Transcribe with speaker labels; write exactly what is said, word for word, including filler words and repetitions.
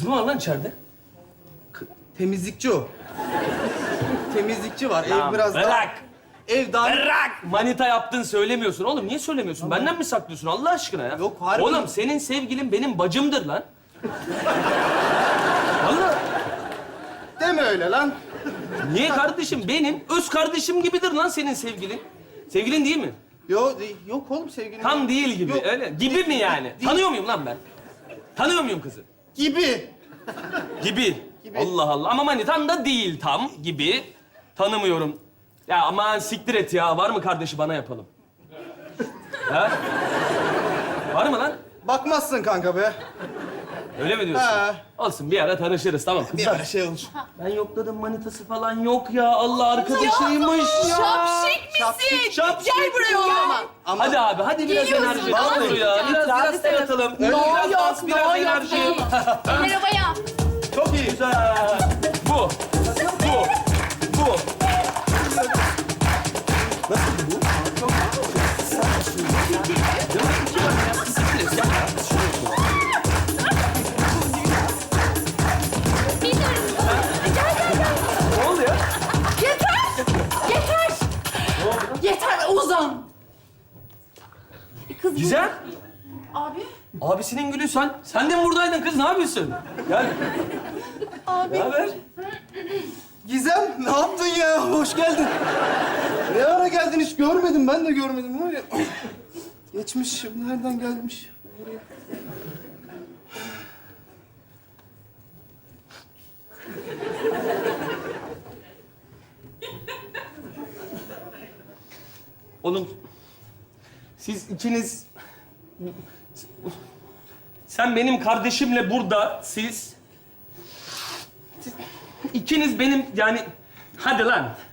Speaker 1: Kız mı var lan içeride?
Speaker 2: Temizlikçi o. Temizlikçi var.
Speaker 1: Lan
Speaker 2: Ev biraz daha...
Speaker 1: bırak.
Speaker 2: Ev daha...
Speaker 1: Bırak! Manita yaptın söylemiyorsun. Oğlum niye söylemiyorsun? Benden mi saklıyorsun Allah aşkına ya?
Speaker 2: Yok, harbi.
Speaker 1: Oğlum senin sevgilin benim bacımdır lan. Vallahi.
Speaker 2: Deme öyle lan.
Speaker 1: Niye kardeşim? Benim öz kardeşim gibidir lan senin sevgilin. Sevgilin değil mi?
Speaker 2: Yok, yok oğlum sevgilim.
Speaker 1: Tam değil gibi.
Speaker 2: Yok.
Speaker 1: Öyle. Gibi mi yani?
Speaker 2: Değil.
Speaker 1: Tanıyor muyum lan ben? Tanıyor muyum kızı?
Speaker 2: Gibi.
Speaker 1: Gibi.
Speaker 2: Gibi.
Speaker 1: Allah Allah. Ama manitan da değil tam gibi. Tanımıyorum. Ya aman siktir et ya. Var mı kardeşi bana yapalım? Ha? Var mı lan?
Speaker 2: Bakmazsın kanka be.
Speaker 1: Öyle mi diyorsun?
Speaker 2: Ha.
Speaker 1: Olsun bir ara tanışırız tamam
Speaker 2: Bir
Speaker 1: kızlar.
Speaker 2: ara şey olur.
Speaker 1: Ben yokladım manitası falan yok ya. Allah arkadaşıymış ya.
Speaker 3: Şapşik misin?
Speaker 2: Şapşik,
Speaker 1: şapşik.
Speaker 3: Gel buraya oğlum.
Speaker 2: Ama
Speaker 1: Hadi abi hadi biraz
Speaker 3: Geliyorsun,
Speaker 1: enerji.
Speaker 2: vallahi.
Speaker 1: Olur ya. Biraz biraz da yatalım.
Speaker 2: Öyle
Speaker 1: Biraz
Speaker 3: yok,
Speaker 1: dans, biraz
Speaker 3: no yok
Speaker 1: enerji.
Speaker 3: değil. Eller havaya.
Speaker 2: çok iyi.
Speaker 1: Güzel. Bu. Bu. Bu. Ne oldu ya?
Speaker 3: Yeter! Yeter! Yeter Ozan! Kız bu-
Speaker 1: Güzel.
Speaker 3: Abi.
Speaker 1: Abisinin gülü sen. Sen de mi buradaydın kız? Ne yapıyorsun? Gel.
Speaker 3: Abi.
Speaker 1: Ne haber?
Speaker 2: Gizem ne yaptın ya? Hoş geldin. Ne ara geldin hiç görmedim. Ben de görmedim var ya. Geçmiş. Nereden gelmiş? Buraya.
Speaker 1: Oğlum siz ikiniz... Sen benim kardeşimle burada, siz... siz ikiniz benim yani... Hadi lan.